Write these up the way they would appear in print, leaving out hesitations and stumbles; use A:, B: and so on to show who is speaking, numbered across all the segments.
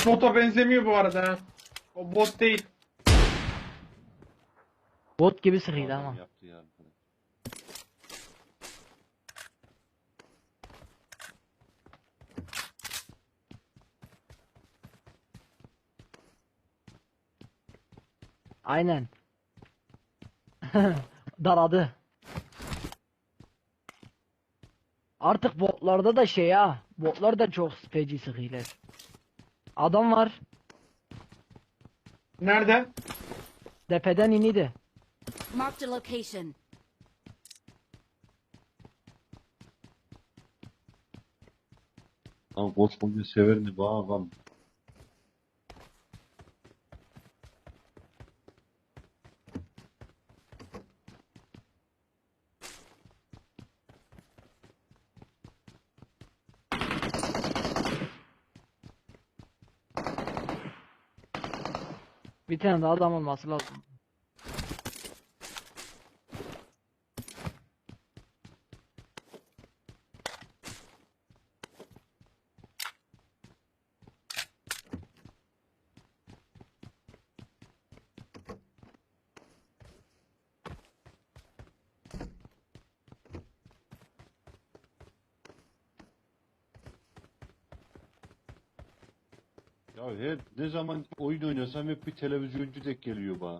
A: Hiç bota benzemiyor bu arada ha. O bot değil.
B: Bot gibi sıkıydı
C: Adam
B: ama.
C: yaptı ya.
B: Aynen. Daradı. Artık botlarda da şey ha. Botlar da çok feci sıkıylar. Adam var.
A: Nerede?
B: Tepeden iniydi.
D: Marked a location.
C: Lan koskoca severini bağlam.
B: Bir tane daha adam olması lazım.
C: Ya her ne zaman oyun oynasam hep bir televizyoncu denk geliyor bana.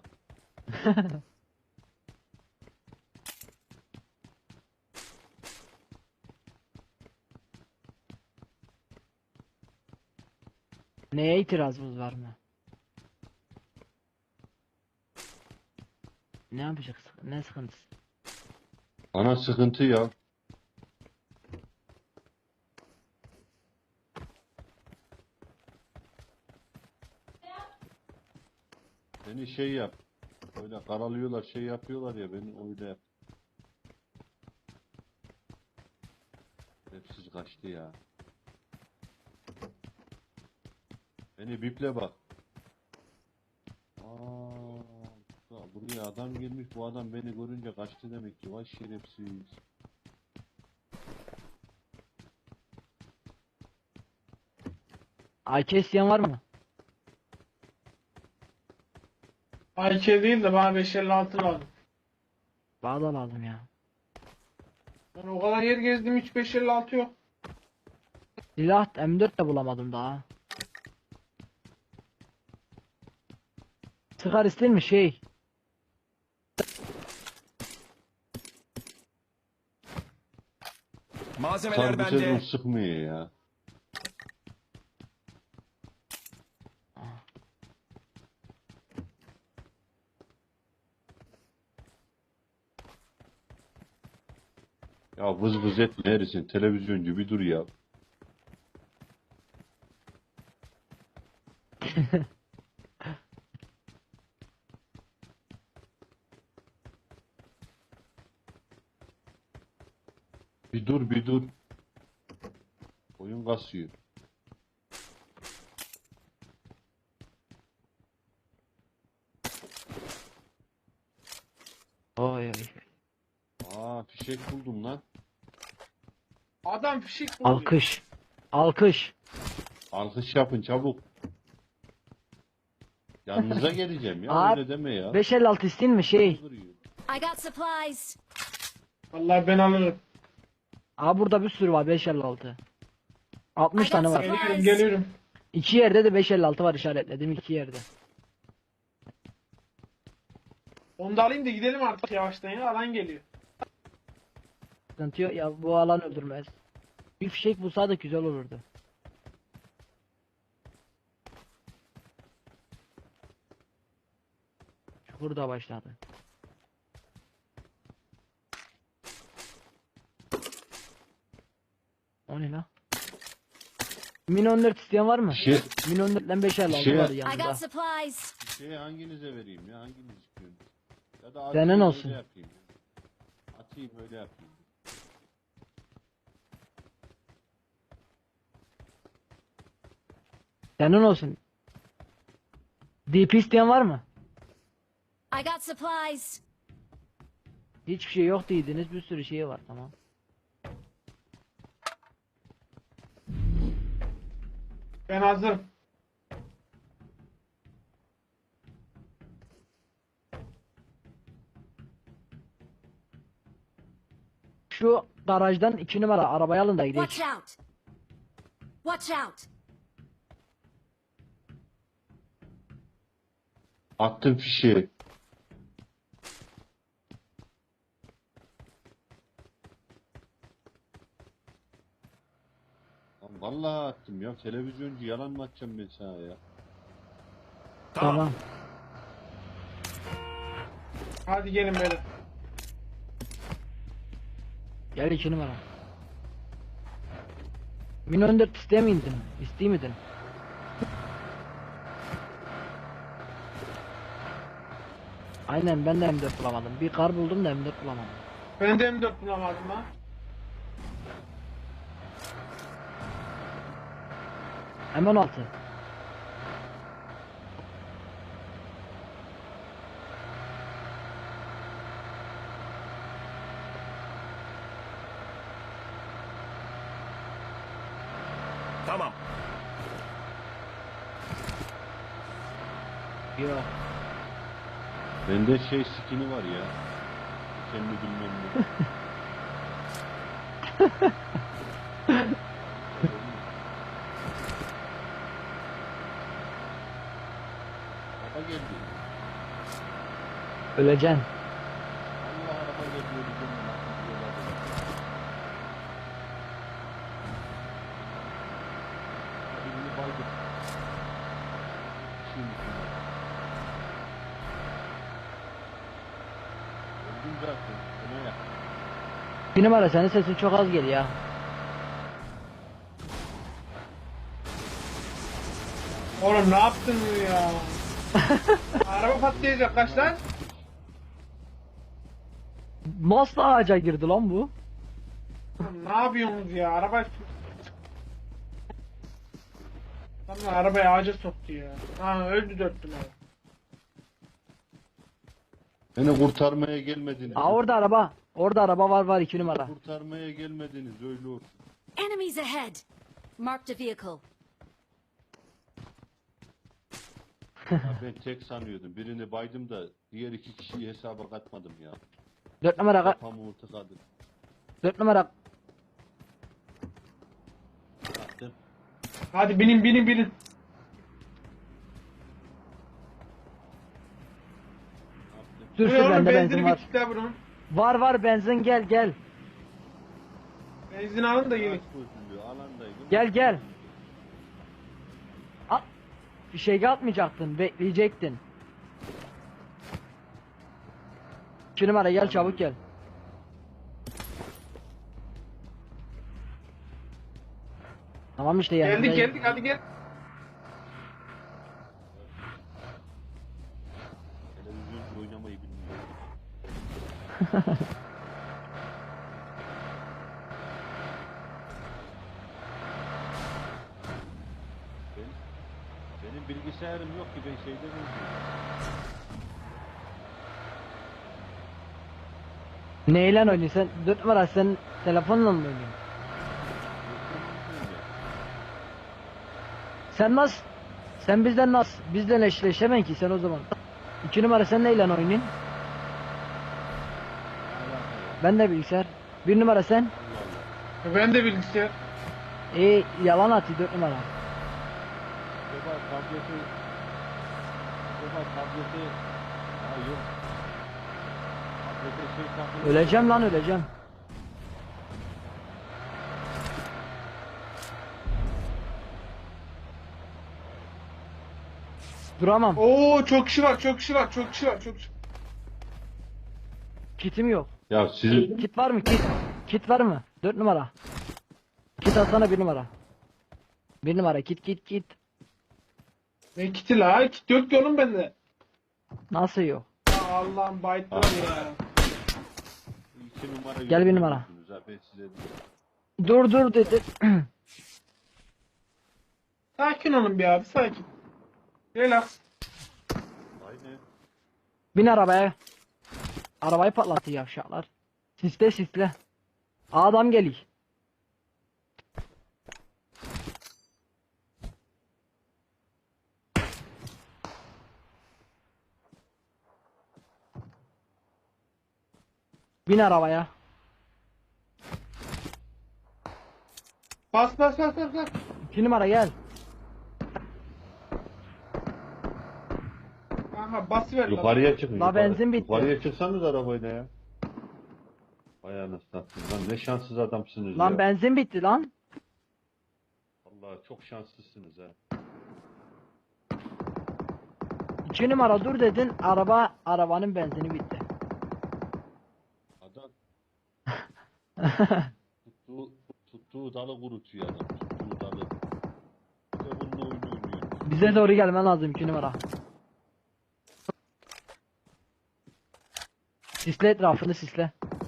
B: Neye itirazımız var mı? Ne yapacağız? Ne sıkıntısı?
C: Bana sıkıntı ya. Beni şey yap. Öyle karalıyorlar şey yapıyorlar ya beni öyle yap. Hepsiz kaçtı ya. Beni biple bak. Buraya adam gelmiş bu adam beni görünce kaçtı demek ki. Vay şerefsiz.
B: AK isteyen var mı?
A: AK değil de bana 556 lazım.
B: Bana da lazım ya.
A: Ben o kadar yer gezdim, hiç 556 yok.
B: Silah M4 de bulamadım daha. Sıkar ister mi şey?
E: Malzemeler
C: Sarı bir sezon
E: bende.
C: sıkmıyor ya. Ya vız vız etme herifsin televizyoncu bir dur ya. Bir dur bir dur. Oyun kasıyor.
B: Oy oy.
C: Fişek buldum lan.
A: Adam fişik buluyor.
B: Alkış. Alkış.
C: Alkış yapın çabuk. Yanınıza geleceğim ya
B: Abi,
C: öyle deme ya.
B: 556 isteyin mi şey?
D: I got supplies.
A: Vallahi ben alırım.
B: Aa burada bir sürü var 556. 60 tane var.
A: Geliyorum, geliyorum.
B: İki yerde de 556 var işaretledim iki yerde.
A: Onu da alayım da gidelim artık yavaştan ya. Alan geliyor.
B: Sıkıntı yok ya bu alan öldürmez. Bir fişek bulsaydık güzel olurdu. Çukur da başladı. O ne la? Min 14 isteyen var mı?
C: Şey,
B: Min 14'den 556
C: Şey-
B: var
D: I
B: yanında.
D: got supplies.
C: hanginize vereyim ya hanginiz istiyorsunuz? Ya da
B: Senin
C: atayım,
B: olsun.
C: öyle yapayım. Atayım öyle yapayım.
B: Senin olsun. DP isteyen var mı?
D: I got supplies.
B: Hiçbir şey yok dediniz bir sürü şey var tamam.
A: Ben hazırım.
B: Şu garajdan 2 numara arabayı alın da gidelim.
D: Watch out! Watch out!
C: Attım fişi. Lan vallahi attım ya. Televizyoncu yalan mı atacağım ben sana ya?
B: Tamam.
A: Hadi gelin böyle.
B: Gel 2 numara. Min 14 isteye mi indin? İsteye miydin? Aynen ben de M4 bulamadım. Bir kar buldum da M4 bulamadım.
A: Ben de M4 bulamadım ha.
B: M16.
E: Tamam.
B: Yok.
C: Bende şey skini var ya. Kendi bilmem ne. Araba geldi.
B: Öleceksin.
C: Allah araba geldi. Öleceğim ben. Birini baydım. Şimdi. Öldüm zaten. Öne yak.
B: 2 numara senin sesin çok az geliyor ya.
A: Oğlum ne yaptın ya? Araba patlayacak kaç lan?
B: Nasıl ağaca girdi lan bu?
A: Oğlum, ne yapıyorsunuz ya? Araba... Tamam arabayı ağaca soktu ya. Ha öldü 4 numara.
C: Beni kurtarmaya gelmediniz.
B: Aa orada araba. Orada araba var 2 numara.
C: Kurtarmaya gelmediniz öyle olsun.
D: Enemies ahead! Marked a vehicle.
C: Ya ben tek sanıyordum. Birini baydım da diğer 2 kişiyi hesaba katmadım ya.
B: 4 numara
C: Kafamı tıkadı.
B: 4 numara
C: Attım.
A: Hadi binin.
C: Attım.
B: sür
A: Bu
B: sür
A: ne oğlum
B: bende benzin
A: benzini
B: var.
A: bitti la bunun.
B: Var benzin gel.
A: Benzin alın da gelin.
C: Ağaç bozuluyor, alandaydım.
B: Gel. At. Bir şey atmayacaktın, bekleyecektin. 2 numara gel çabuk gel. Tamam işte yanındayım.
A: Geldik hadi gel.
C: Televizyoncu oynamayı bilmiyorum. Benim bilgisayarım yok ki ben şeyden oynuyorum.
B: Neyle oynuyorsun sen? 4 numara sen telefonla mı oynuyorsun? Sen nasıl? Sen bizden nasıl? Bizden eşleşemen ki sen o zaman. 2 numara sen neyle oynuyorsun? Ben de bilgisayar. 1 numara sen?
A: Ben de bilgisayar.
B: Yalan atıyor 4 numara.
C: Acaba tableti ha yok. Tablete şey takılı.
B: Öleceğim lan öleceğim. Duramam.
A: Oo çok kişi var.
B: Kitim yok.
C: Ya sizin
B: Kit var mı? Kit var mı? 4 numara. Kit atsana 1 numara. 1 numara kit.
A: Ne kiti la? Kit yok ki oğlum bende.
B: Nasıl yok?
A: Ya Allah'ım bayıtlar ya.
C: 2 numara
B: Gel bir numara.
C: yürüyorsunuz ha, ben size
B: Dur
C: diyorum.
B: dedi.
A: Sakin olun bir abi sakin. Relax.
C: Aynen.
B: Bin arabaya. Arabayı patlatıyor yavşaklar. Sisle. Adam geliyor. Bin arabaya.
A: Bas bas bas bas bas.
B: 2 numara gel.
A: Aha basıver.
C: Yukarıya çıkın.
B: La benzin bitti.
C: Yukarıya çıksanız arabayla ya. Vay anasını satayım lan, ne şanssız adamsınız
B: Lan
C: ya.
B: benzin bitti lan.
C: Vallahi çok şanslısınız ha.
B: 2 numara dur dedin, arabanın benzini bitti.
C: Adam tuttuğu dalı kurutuyor adam. Tuttuğu dalı. Bir de bununla oyun oynuyor.
B: Bize doğru gelmen lazım 2 numara. Sisle etrafını sisle.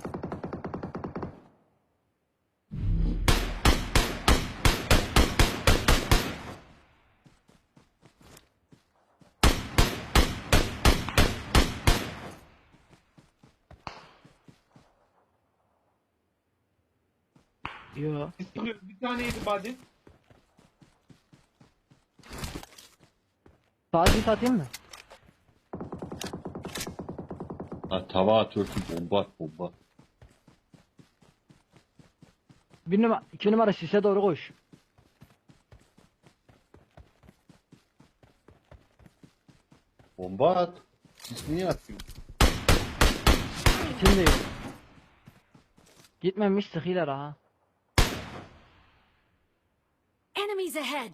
B: Yo.
A: Bir taneydi body.
B: Saati satayım mı?
C: Ha, tava atıyorsun, bomba at, bomba.
B: 1 numara 2 numara sise doğru koş.
C: Bomba at. Siz niye atıyorsun?
B: Şimdi yok. Gitmemiş sıkıyla ha.
D: Enemies ahead!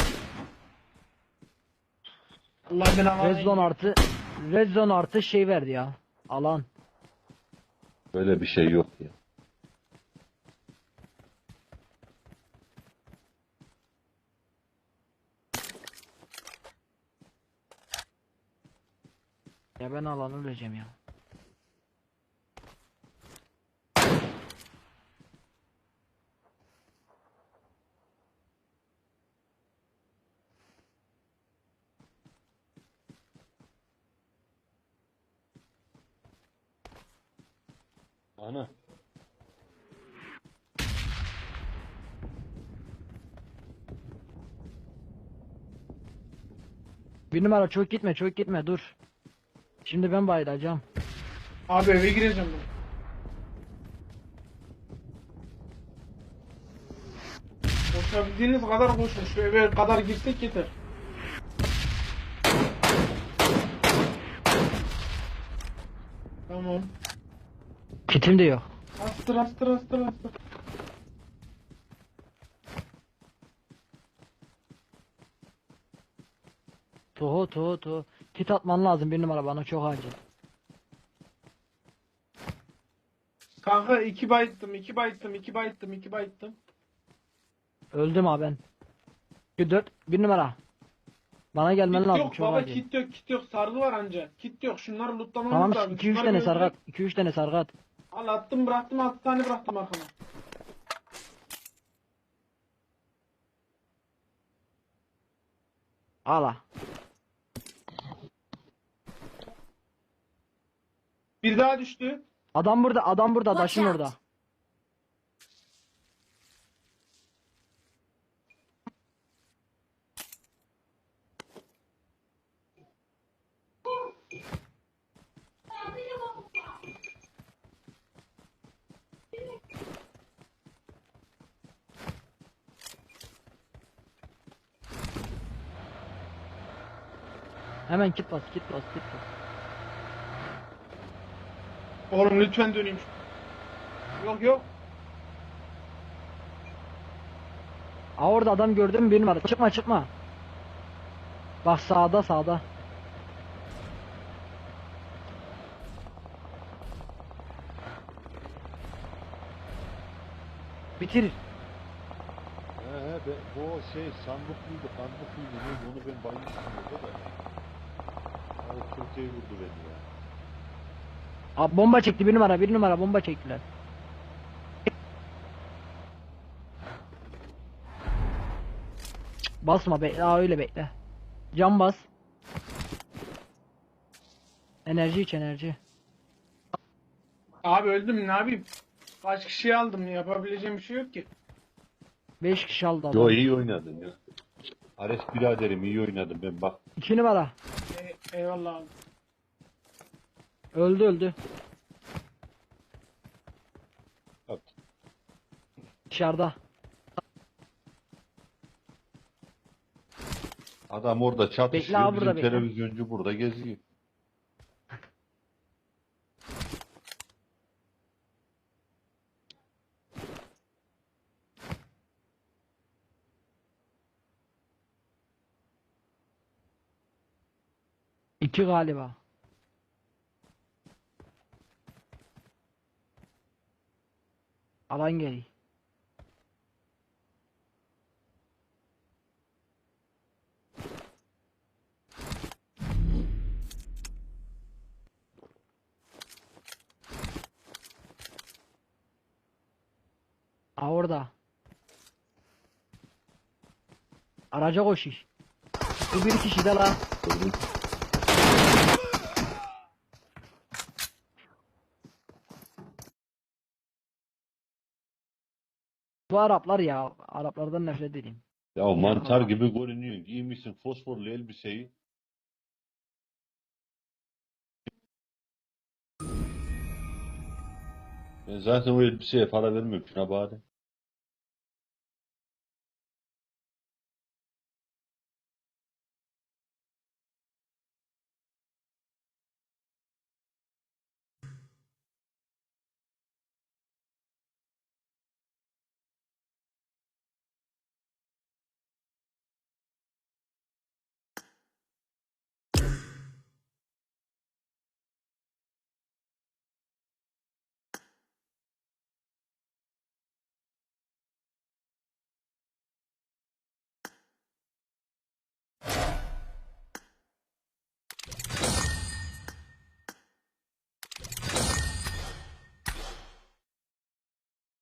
A: Allah ben alayım.
B: Red zone artı şey verdi ya. Alan.
C: Böyle bir şey yok ya.
B: Ya ben alanı öleceğim ya.
C: Ana.
B: Bir numara çok gitme dur. Şimdi ben bayılacağım.
A: Abi eve gireceğim ben. Koşabildiğiniz kadar koşun. Şu eve kadar girsek yeter. Tamam.
B: Kitim de yok.
A: Astır astır astır astır.
B: Toho. Kit atman lazım 1 numara, bana çok acil.
A: Kanka 2 bayıttım.
B: Öldüm ha ben. 4 1 numara. Bana gelmen
A: Kit
B: lazım
A: yok
B: çok
A: baba,
B: acil.
A: kit yok, sargı var anca. Kit yok, şunları lootlamamız
B: Tamam
A: lazım.
B: 2-3
A: Şunları
B: tane
A: bir
B: sargat.
A: öldürek.
B: 2-3 tane sargat.
A: Al attım bıraktım, 6 tane bıraktım arkama.
B: Ala.
A: Bir daha düştü.
B: Adam burada
D: Watch
B: taşın
D: out.
B: orada. Hemen kit bas.
A: Oğlum lütfen döneyim. Yok.
B: Aa orada adam gördün mü 1 numara? Çıkma. Bak sağda. Bitir.
C: Bu şey sandık mıydı neydi, onu ben baymıştım orada da. Ya, o Türkiye'yi vurdu beni ya.
B: Abi bomba çekti 1 numara bomba çektiler. Basma bekle, öyle bekle. Cam bas. Enerji iç enerji.
A: Abi öldüm, ne yapayım? Kaç kişi aldım, yapabileceğim bir şey yok ki.
B: 5 kişi aldı adam.
C: Yo, iyi oynadın ya. Ares biraderim, iyi oynadın, ben bak.
B: 2 numara.
A: Eyvallah abi.
B: Öldü.
C: Bak.
B: Dışarıda.
C: Adam orada çatışıyor.
B: Bekle abi,
C: Bizim
B: burada bekle.
C: televizyoncu burada geziyor.
B: İki galiba. Alan geliyor. Aa, orada. Araca koşuyor. Bu bir kişi de la. Bu Araplar ya. Araplardan nefret edeyim.
C: Ya mantar gibi görünüyor. Giymişsin fosforlu elbiseyi. Ben zaten o elbiseye para vermiyorum. Şuna bari.